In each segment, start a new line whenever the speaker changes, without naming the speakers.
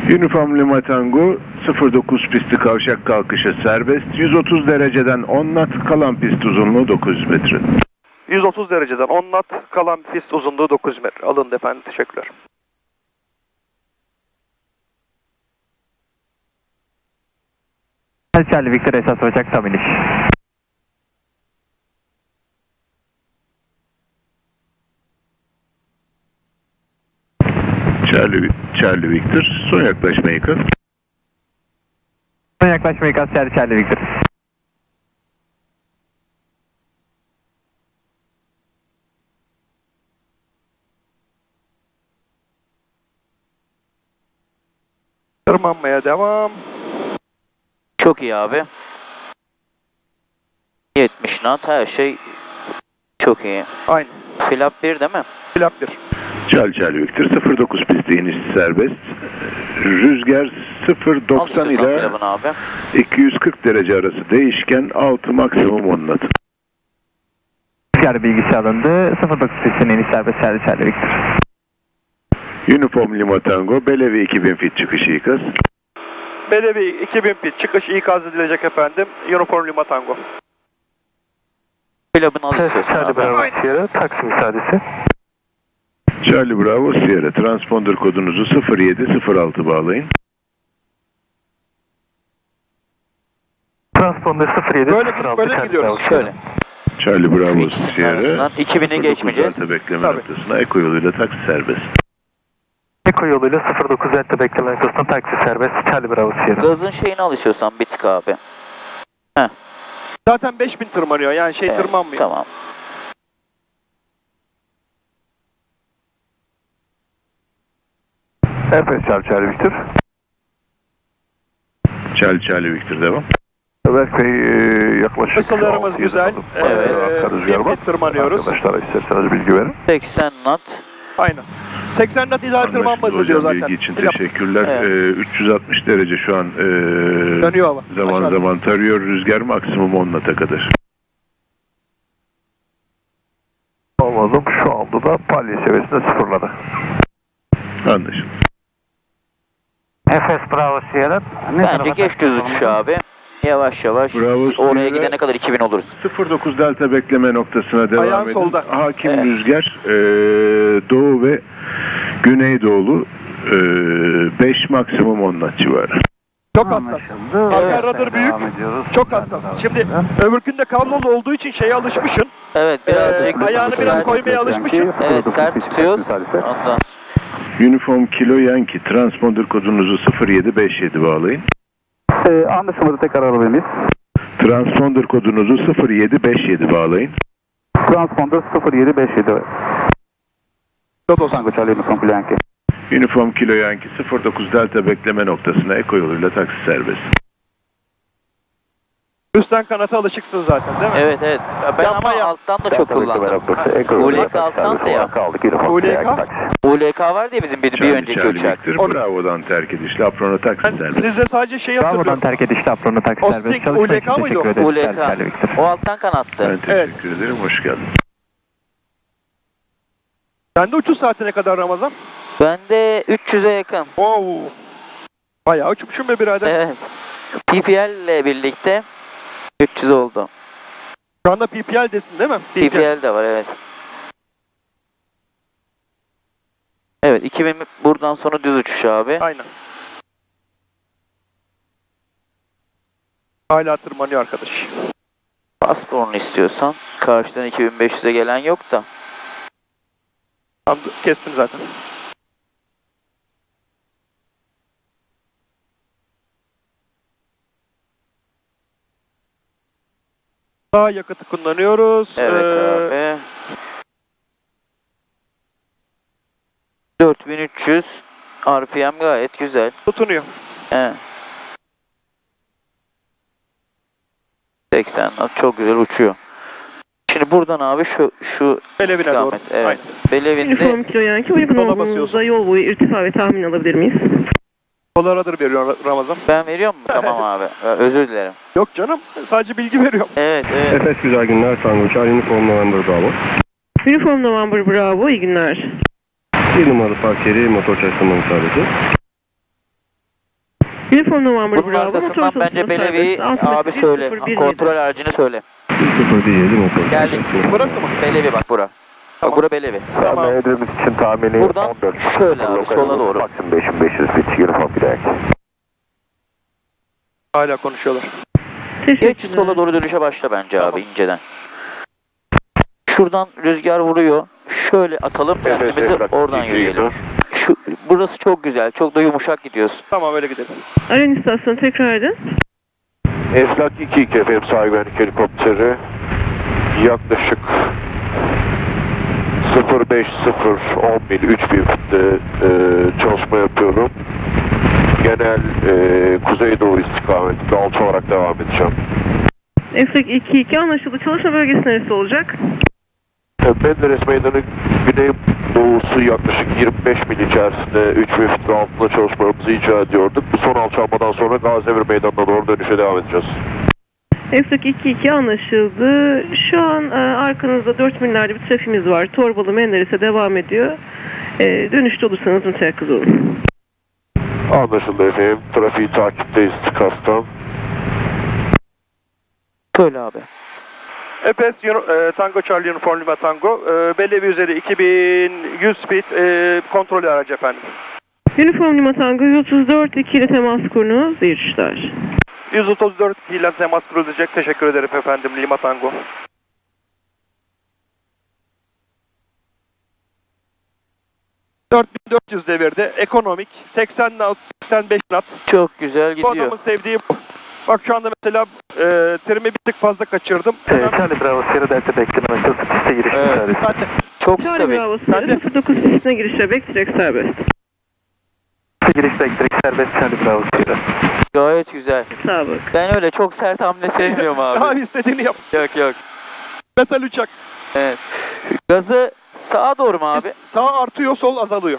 Uniform Lima Tango 09 pisti kavşak kalkışı serbest. 130 dereceden 10 knot, kalan pist uzunluğu 900 metre.
130 dereceden 10 knot, kalan pist uzunluğu 900 metre. Alındı efendim, teşekkürler.
Charlie Victor esas olacak tam iniş.
Charlie Victor, son yaklaşma ikaz.
Son yaklaşma ikaz Charlie Victor.
Tırmanmaya devam.
Çok iyi abi. 70 knot, her şey çok iyi.
Aynı.
Flap 1 değil mi?
Flap 1.
Charlie Victor 09 pisti iniş serbest. Rüzgar 0.90 ile
abi.
240 derece arası değişken, 6 maksimum 10 knot.
Rüzgar bilgisi alındı. 09 pistinin iniş serbest Charlie Victor.
Uniform Lima Tango, Bellevue 2000 feet çıkışı ikaz.
Bellevue 2000 feet çıkış ikaz edilecek efendim. Uniform Lima Tango.
Flap'ını al istiyorsun abi.
Sierra, taksi müsaadesi.
Charlie Bravo Sierra, transponder kodunuzu 0706 bağlayın.
Transponder 07
Böyle gidiyoruz.
Şöyle.
Charlie Bravo
İkisinin
Sierra,
arasından 2000'i geçmeyeceğiz.
Delta bekleme
Tabii.
noktasına Eko yoluyla taksi serbest.
Eko yoluyla 09 Delta bekleme noktasına taksi serbest Charlie Bravo Sierra.
Gazın şeyini al istiyorsan bir tık abi.
Zaten 5000 tırmanıyor, yani şey
Evet,
tırmanmıyor.
Tamam.
Efes Charlie Victor.
Charlie Victor devam.
Berk Bey yaklaşık...
Kısalarımız güzel.
Evet.
1000 feet tırmanıyoruz.
Arkadaşlara isterseniz bilgi verin.
80 knot.
Aynen. 80 knot ideal tırmanma hızı diyor
Hocam,
zaten.
bilgi için
Flap.
teşekkürler.
Evet.
360 derece şu an
Dönüyor hava.
zaman
Aşağıda.
zaman tarıyor. Rüzgar maksimum 10 knot'a kadar.
Anladım. Şu anda da palya seviyesinde sıfırladı.
Anlaşıldı.
Efes Bravo Sierra.
Bence geç düz uçuş abi. Yavaş yavaş.
Bravo,
Oraya
Sierra.
gidene kadar 2000 oluruz.
09 Delta bekleme noktasına devam
Ayağın
edin.
solda.
Hakim
Evet.
rüzgar doğu ve güneydoğulu 5 maksimum 10 knot civarı.
Çok hassas. Arka radar büyük. Çok hassas. Şimdi öbürkünde kablolu olduğu için şeye alışmışsın.
Evet birazcık
ayağını biraz
sert.
koymaya alışmışsın.
Evet sert tutuyoruz. Ondan.
Uniform Kilo Yankee, transponder kodunuzu 0757 bağlayın.
Anlaşılmadı, tekrar alabilir miyiz?
Transponder kodunuzu 0757 bağlayın.
Transponder 0757. Dodo Tango Charlie Uniform Yankee.
Uniform Kilo Yankee 09 Delta bekleme noktasına Eko yoluyla taksi serbest.
Üstten kanata alışıksın zaten değil mi?
Evet evet. Ben
Yapma
ama
ya.
alttan da çok kullandım. ULK alttan da ya.
ULK?
ULK var diye bizim bir önceki
Charlie
uçak.
Victor, Bravo'dan terk edişli Aprona taksi serbest.
Sizde sadece şeyi
Bravo'dan
hatırlıyorum.
terk edişli apronu taksi
O
serbest.
stick
Çalışma
ULK
için
mıydı o?
teşekkür ederiz.
ULK.
Charlie Victor.
O alttan kanattı.
Ben teşekkür ederim, hoş geldin.
Sende uçuş saatine kadar Ramazan?
Bende 300'e yakın.
Wow. Bayağı uçmuşum be birader.
Evet. PPL ile birlikte 300 oldu.
Şu anda PPL desin değil mi?
PPL de var evet. Evet 2000 buradan sonra düz uçuş abi.
Aynen. Hala tırmanıyor arkadaş.
Pasporunu istiyorsan. Karşıdan 2500'e gelen yok da.
Tamam, kestim zaten. Daha yakıtı kullanıyoruz.
Evet abi. 4300 RPM gayet güzel.
Tutunuyor.
Evet. 80 knot çok güzel uçuyor. Şimdi buradan abi şu
Belevine doğru.
istikamet. Evet.
Aynen.
Belevinde
Uniform Kilo Yankee uygun
Sola
olduğunuzda
basıyorsun.
yol boyu irtifa ve tahmin alabilir miyiz?
Dolar veriyor Ramazan.
ben veriyor mu? Tamam abi. Özür dilerim.
Yok canım. Sadece bilgi veriyorum.
Evet evet.
Efes güzel günler Tango Charlie Uniform November Bravo.
Uniform November Bravo, iyi günler.
1 numaralı park yeri motor çalıştırma müsaadesi.
Uniform November
Bunun
Bravo.
arkasından
motor
bence
çalışma
Belevi'yi
serbest.
abi söyle.
6.107.
Kontrol aracını söyle.
017 motor.
Geldik.
Burası mı?
Belevi bak bura. Bak bura Belevi.
Tamam.
Edremit için tahmini
Buradan
14.
şöyle abi sola doğru.
Maksimum 5500 bit. Uniform bir dakika.
Hala konuşuyorlar.
Geç
Teşekkürler.
sola doğru dönüşe başla bence
Tamam.
abi inceden. Şuradan rüzgar vuruyor. Şöyle atalım kendimizi oradan yürüyelim. Burası çok güzel. Çok da yumuşak gidiyoruz.
Tamam öyle gidelim.
Aren istasyonu tekrar edin.
Eflak 22 FM sağ güvenlik helikopteri yaklaşık 050 mil 3000 fitte çalışma yapıyorum. Genel kuzeydoğu istikametinde alçı olarak devam edeceğim.
Eflak 2-2 anlaşıldı. Çalışma bölgesi neresi olacak?
Menderes Meydanı güney doğusu yaklaşık 25 mil içerisinde 3000 fitin altında çalışmalarımızı icra ediyorduk. Bu son alçalmadan sonra Gaziemir Meydanı'na doğru dönüşe devam edeceğiz.
Eflak 2-2 anlaşıldı. Şu an arkanızda 4 millerde bir trafiğimiz var. Torbalı Menderes'e devam ediyor. Dönüşte olursanız müteyakkız olun.
Anlaşıldı efendim. Trafiği takipteyiz TİKAS'tan.
Söyle abi.
EPS Tango Charlie Uniform Lima Tango. Belevi üzeri 2100 speed kontrol aracı efendim.
Uniform Lima Tango 134-2 ile temas kurunuz. İyi uçuşlar.
134 ile temas kurulacak. Teşekkür ederim efendim Lima Tango. ...4400 devirde, ekonomik, 80 knot, 85 knot.
Çok güzel
Bu
gidiyor.
adamın sevdiği bu. Bak şu anda mesela trimi bir tık fazla kaçırdım.
Charlie Bravo Sierra Delta bekleme açılsın piste giriş
Evet.
müsaadesi.
Çok
Charlie
stabil.
Bravo Sierra 09 pistine girişle bekleyecek serbest.
Piste giriş elektrik serbest Charlie Bravo Sierra.
Gayet güzel.
Sağ bak.
Ben öyle çok sert hamle sevmiyorum abi.
Abi istediğini yap.
Yok yok.
Metal uçak.
Evet. Gazı sağa doğru mu abi?
Sağ artıyor, sol azalıyor.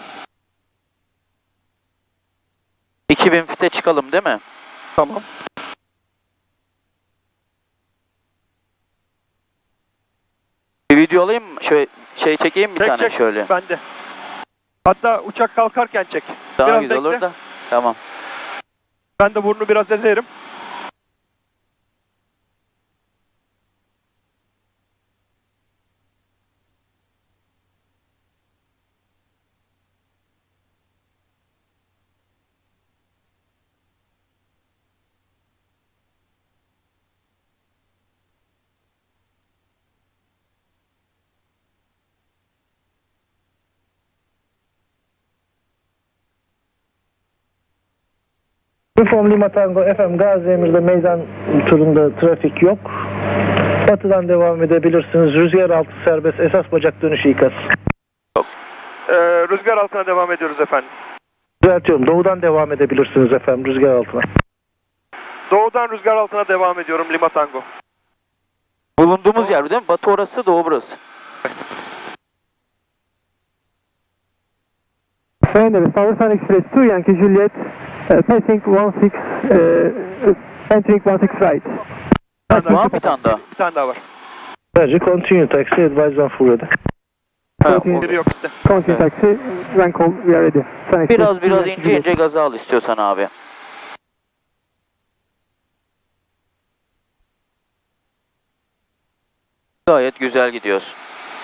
2000 fite çıkalım değil mi?
Tamam.
Bir video alayım mı? Şöyle şey çekeyim bir
Çek,
tane
çek.
şöyle.
Ben de. Hatta uçak kalkarken çek.
Daha
biraz
güzel
bekle.
olur da. Tamam.
Ben de burnu biraz ezerim.
Uniform Lima Tango FM Gaziemir'de meydan turunda trafik yok. Batıdan devam edebilirsiniz. Rüzgar altı serbest. Esas bacak dönüşü ikaz.
Rüzgar altına devam ediyoruz efendim.
Düzeltiyorum. Doğudan devam edebilirsiniz efendim rüzgar altına.
Doğudan rüzgar altına devam ediyorum Lima Tango.
Bulunduğumuz yer değil mi? Batı orası, doğu burası.
Menderes Southern Express 2 Yankee Juliet passing 16 entering 16 right.
Var mı bir tane daha?
Bir tane daha var.
Sadece continue taxi advise on full ready.
Ha,
Biri yok işte.
Continue taxi, rank call, we are ready. Southern Express,
biraz
Yankee
ince
Juliet.
ince gazı al istiyorsan abi. Gayet güzel gidiyoruz.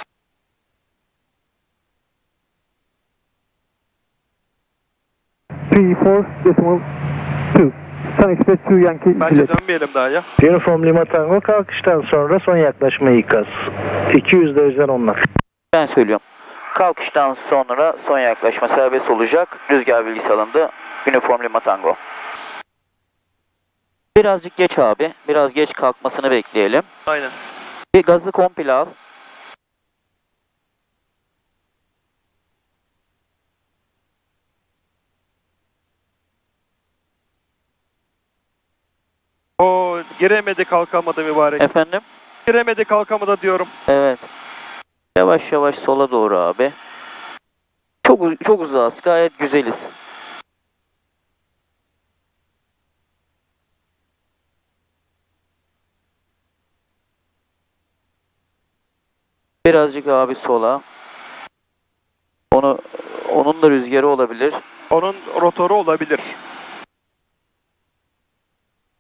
Three, four, decimal, two. Southern Express 2 Yankee
Bence
Juliet.
dönmeyelim daha ya.
Uniform Lima Tango kalkıştan sonra son yaklaşma ikaz. 200 dereceden onlar.
Ben söylüyorum. Kalkıştan sonra son yaklaşma serbest olacak. Rüzgar bilgisi alındı. Uniform Lima Tango. Birazcık geç abi. Biraz geç kalkmasını bekleyelim.
Aynen.
Bir gazı komple al.
O giremedi kalkamadı mübarek.
Efendim?
Giremedi kalkamadı diyorum.
Evet. Yavaş yavaş sola doğru abi. Çok uzağız. Gayet güzeliz. Birazcık abi sola. Onun da rüzgarı olabilir.
Onun rotoru olabilir.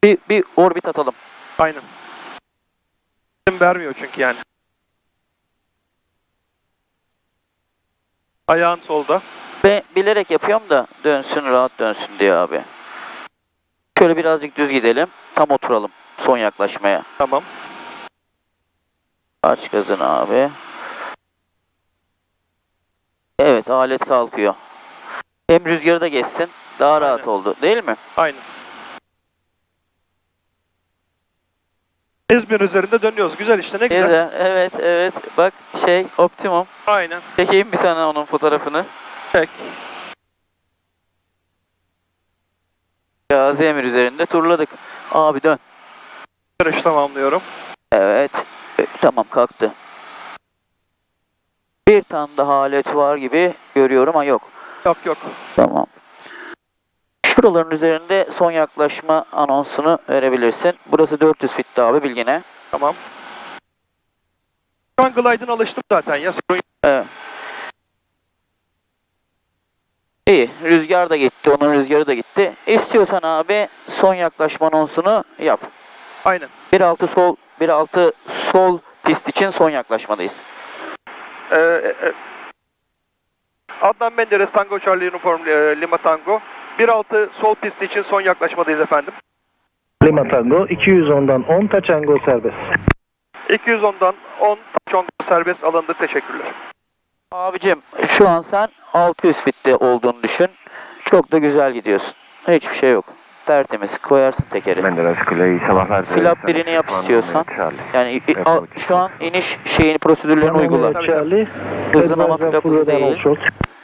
Bir orbit atalım.
Aynen. Vermiyor çünkü yani. Ayağın solda.
Ben bilerek yapıyorum da dönsün, rahat dönsün diye abi. Şöyle birazcık düz gidelim. Tam oturalım son yaklaşmaya.
Tamam.
Aç gazını abi. Evet, alet kalkıyor. Hem rüzgarı da geçsin. Daha rahat
Aynen.
oldu değil mi?
Aynen. İzmir üzerinde dönüyoruz. Güzel işte, ne güzel.
Güzel. Evet, evet. Bak optimum.
Aynen.
Çekeyim bir sana onun fotoğrafını.
Çek.
Gazi Emir üzerinde turladık. Abi dön.
Yarış tamamlıyorum.
Evet. Tamam, kalktı. Bir tane daha alet var gibi görüyorum ama yok.
Yok yok.
Tamam. Şuraların üzerinde son yaklaşma anonsunu verebilirsin. Burası 400 fitti abi, bilgine.
Tamam. Şu an glide'ın alıştım zaten ya. Sorun yok.
Evet. İyi. Rüzgar da gitti. Onun rüzgarı da gitti. İstiyorsan abi son yaklaşma anonsunu yap.
Aynen.
1.6 sol pist için son yaklaşmadayız.
Adnan Menderes Tango Charlie Uniform Lima Tango. 1.6 sol pist için son yaklaşmadayız efendim.
Lima Tango 210'dan 10 Taçango serbest.
210'dan 10 Taçango serbest alındı. Teşekkürler.
Abicim şu an sen 600 fitte olduğunu düşün. Çok da güzel gidiyorsun. Hiçbir şey yok. Tertemiz koyarsın tekeri.
Menderes Kuleyi sabahlar.
Flap birini yap istiyorsan. Yani şu an iniş prosedürlerini uygula.
Charlie.
Hızın ama
Advise
flap
full
hızı
radar
değil.
also.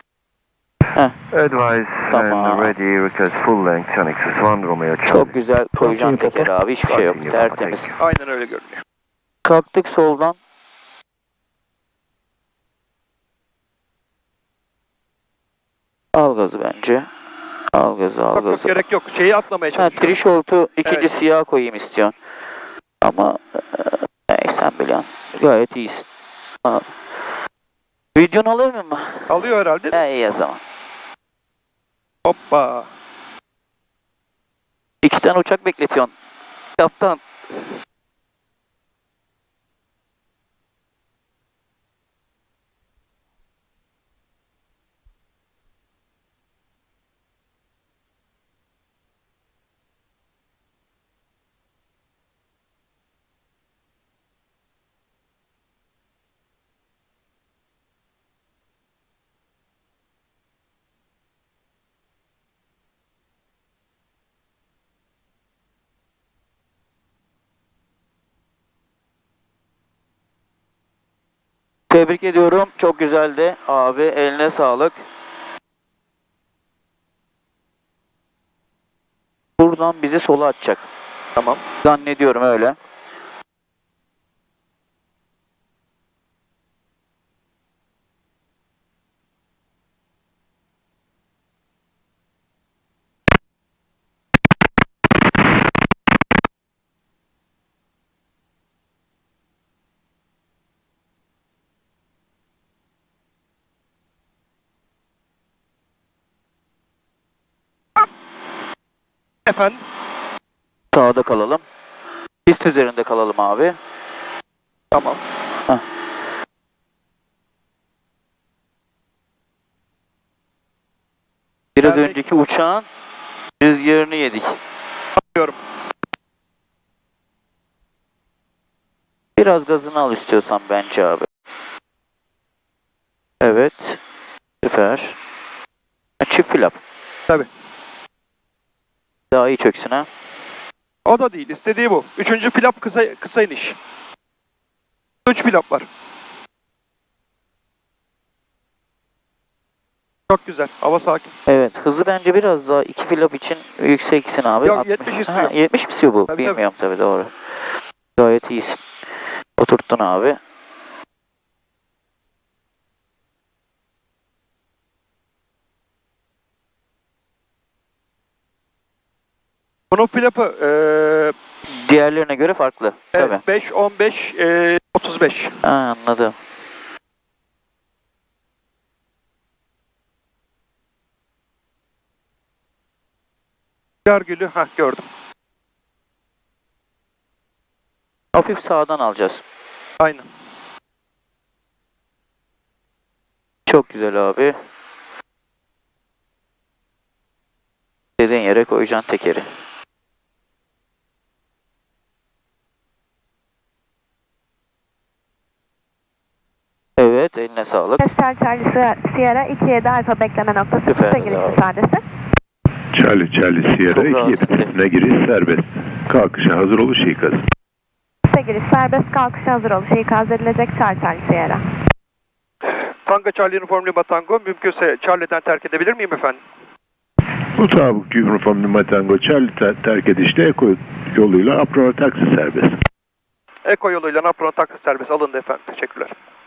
Advise
Tamam.
and ready request full length Sonic 1 Romeo Charlie.
Çok güzel koyacaksın tekeri abi. Hiçbir şey yok. Tertemiz.
Aynen öyle görünüyor.
Kalktık soldan. Al gazı bence. Al gazı, al
Yok, yok,
gazı.
gerek yok. Şeyi atlamaya
Ha,
çalışıyorum.
Threshold'u ikinci
Evet.
siyah koyayım istiyorsun. Ama sen biliyorsun. Gayet iyisin. Al. Videonu alır mı?
Alıyor herhalde.
İyi o zaman.
Hoppa.
2 tane uçak bekletiyorsun. Kaptan. Tebrik ediyorum. Çok güzeldi. Abi eline sağlık. Buradan bizi sola atacak.
Tamam.
Zannediyorum öyle.
Efendim.
Sağda kalalım. Pist üzerinde kalalım abi.
Tamam.
Biraz
Geldik.
önceki uçağın rüzgarını yedik.
Diyorum.
Biraz gazını al istiyorsan bence abi. Evet. Süper. Çift flap.
Tabii.
Daha iyi çöksün ha.
O da değil. İstediği bu. 3. flap kısa iniş. 3 flap var. Çok güzel. Hava sakin.
Evet. Hızı bence biraz daha 2 flap için yükseksin abi.
Yok,
60.
70 istiyor.
70 mi istiyor bu?
Tabii,
Bilmiyorum tabii doğru. Gayet iyisin. Oturttun abi.
Bunun flapı
Diğerlerine göre farklı. Tabii.
5, 15, 35.
Ha, anladım.
Görgülü. Gördüm.
Hafif sağdan alacağız.
Aynen.
Çok güzel abi. Dediğin yere koyacaksın tekeri. Evet, eline sağlık.
Charlie Sierra 27 Alfa bekleme noktası.
Süper,
Piste giriş
bravo.
müsaadesi.
Charlie Sierra
Çok rahat
27
etti.
pistine giriş serbest. Kalkışa hazır oluş ikaz.
Piste giriş serbest, kalkışa hazır oluş ikaz edilecek. Charlie Sierra.
Tango Charlie Uniform Lima Tango, mümkünse Charlie'den terk edebilir miyim efendim?
Mutabık Uniform Lima Tango Charlie terk edişte Eko yoluyla Apron taksi serbest.
Eko yoluyla Napron taksi serbest alındı efendim. Teşekkürler.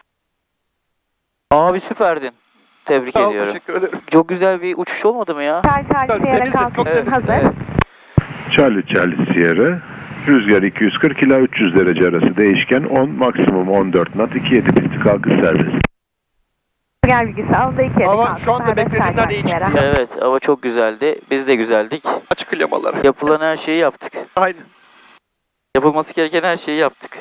Abi süperdin. Tebrik
Sağ ol,
ediyorum.
teşekkür ederim.
Çok güzel bir uçuş olmadı mı ya?
Charlie Sierra
Temizdi, çok
kalkış
temizdi.
hazır.
Evet.
Charlie Sierra rüzgar 240 ila 300 derece arası değişken 10 maksimum 14 knot 27 pisti kalkış serbest.
Rüzgar bilgisi alındı. 27
Hava
kalkış
şu anda
serbest.
beklediğimden
Charlie
iyi çıktı.
Sierra.
Evet, hava çok güzeldi. Biz de güzeldik.
Açık klamaları.
Yapılan her şeyi yaptık.
Aynen.
Yapılması gereken her şeyi yaptık.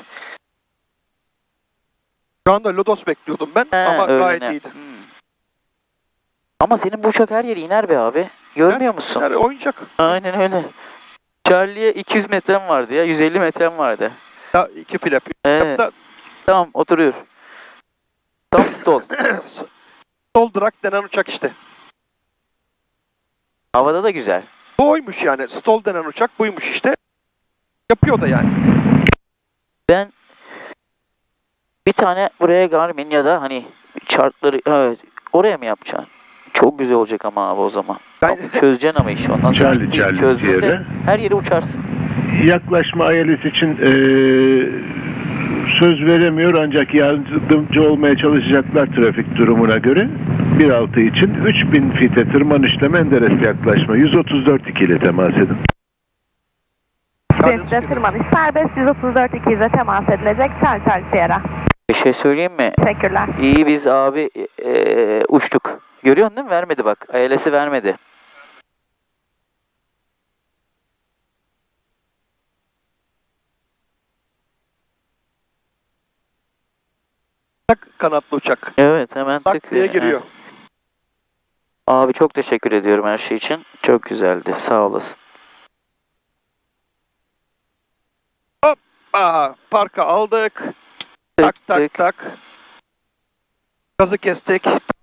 Şu anda Lodos bekliyordum ben ama gayet
öyle ne?
iyiydi.
Ama senin bu uçak her yere iner be abi. Görmüyor musun?
Yani oyuncak.
Aynen öyle. Charlie'ye 200 metrem vardı ya. 150 metrem vardı.
Ya iki flap.
Evet.
Da-
Tamam, oturuyor. Tam stall.
Sol drag denen uçak işte.
Havada da güzel.
Bu oymuş yani. Stall denen uçak buymuş işte. Yapıyor da yani.
Ben bir tane buraya Garmin ya da hani chartları, evet, oraya mı yapacaksın? Çok güzel olacak ama abi o zaman.
Ben
Çözeceksin ama işi ondan sonra
Charlie
çözdün de
Sierra
her yere uçarsın.
yaklaşma ILS için söz veremiyor ancak yardımcı olmaya çalışacaklar trafik durumuna göre. 1.6 için 3000 fite tırmanışla Menderes yaklaşma 134.2 ile temas edin.
Piste tırmanış serbest. 134-200'e temas edilecek. Charlie Sierra.
Bir şey söyleyeyim mi?
Teşekkürler.
İyi biz abi uçtuk. Görüyorsun değil mi? Vermedi bak. ILS'i vermedi.
tak kanatlı uçak.
Evet, hemen tık.
Tak diye giriyor.
Abi çok teşekkür ediyorum her şey için. Çok güzeldi. Sağ olasın.
Aha, parka aldık.
Tık
Tak tak
tık.
tak. Gazı kestik.